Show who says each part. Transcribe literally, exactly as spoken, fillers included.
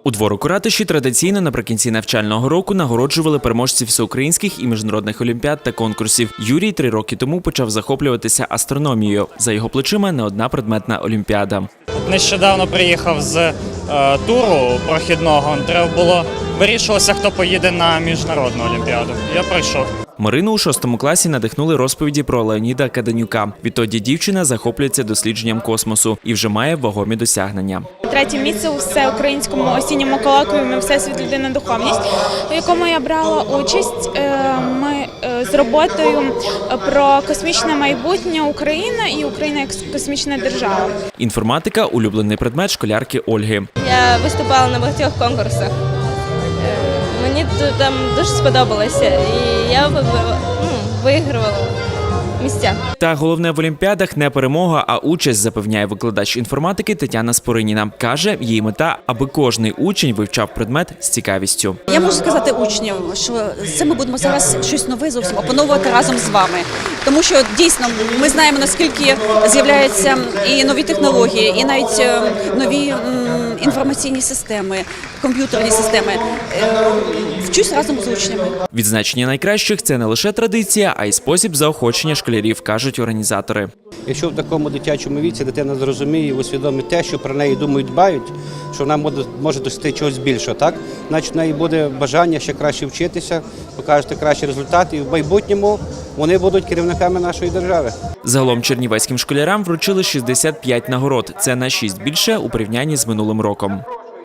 Speaker 1: У дворику ратуші традиційно наприкінці навчального року нагороджували переможців всеукраїнських і міжнародних олімпіад та конкурсів. Юрій три роки тому почав захоплюватися астрономією. За його плечима не одна предметна олімпіада.
Speaker 2: Нещодавно приїхав з е, туру прохідного. Треба було вирішувалося, хто поїде на міжнародну олімпіаду. Я пройшов.
Speaker 1: Марину у шостому класі надихнули розповіді про Леоніда Каденюка. Відтоді дівчина захоплюється дослідженням космосу і вже має вагомі досягнення.
Speaker 3: Третє місце у всеукраїнському осінньому колоквіумі «Всесвіт, людина, духовність», у якому я брала участь. Ми з роботою про космічне майбутнє України і Україна як космічна держава.
Speaker 1: Інформатика – улюблений предмет школярки Ольги.
Speaker 4: Я виступала на багатьох конкурсах. Мені там дуже сподобалося, і я ну, вигравала місця.
Speaker 1: Та головне в олімпіадах не перемога, а участь, запевняє викладач інформатики Тетяна Спориніна. Каже, її мета – аби кожний учень вивчав предмет з цікавістю.
Speaker 5: Я можу сказати учням, що це ми будемо зараз щось нове зовсім опановувати разом з вами. Тому що дійсно ми знаємо, наскільки з'являються і нові технології, і навіть нові інформаційні системи, комп'ютерні системи. Вчусь разом з учнями.
Speaker 1: Відзначення найкращих – це не лише традиція, а й спосіб заохочення школярів, кажуть організатори.
Speaker 6: Якщо в такому дитячому віці дитина зрозуміє і усвідомить те, що про неї думають, дбають, що вона може досягти чогось більшого, так? Значить, в неї буде бажання ще краще вчитися, покажете кращі результати, і в майбутньому вони будуть керівниками нашої держави.
Speaker 1: Загалом чернівецьким школярам вручили шістдесят п'ять нагород. Це на шість більше у порівнянні з минулим роком.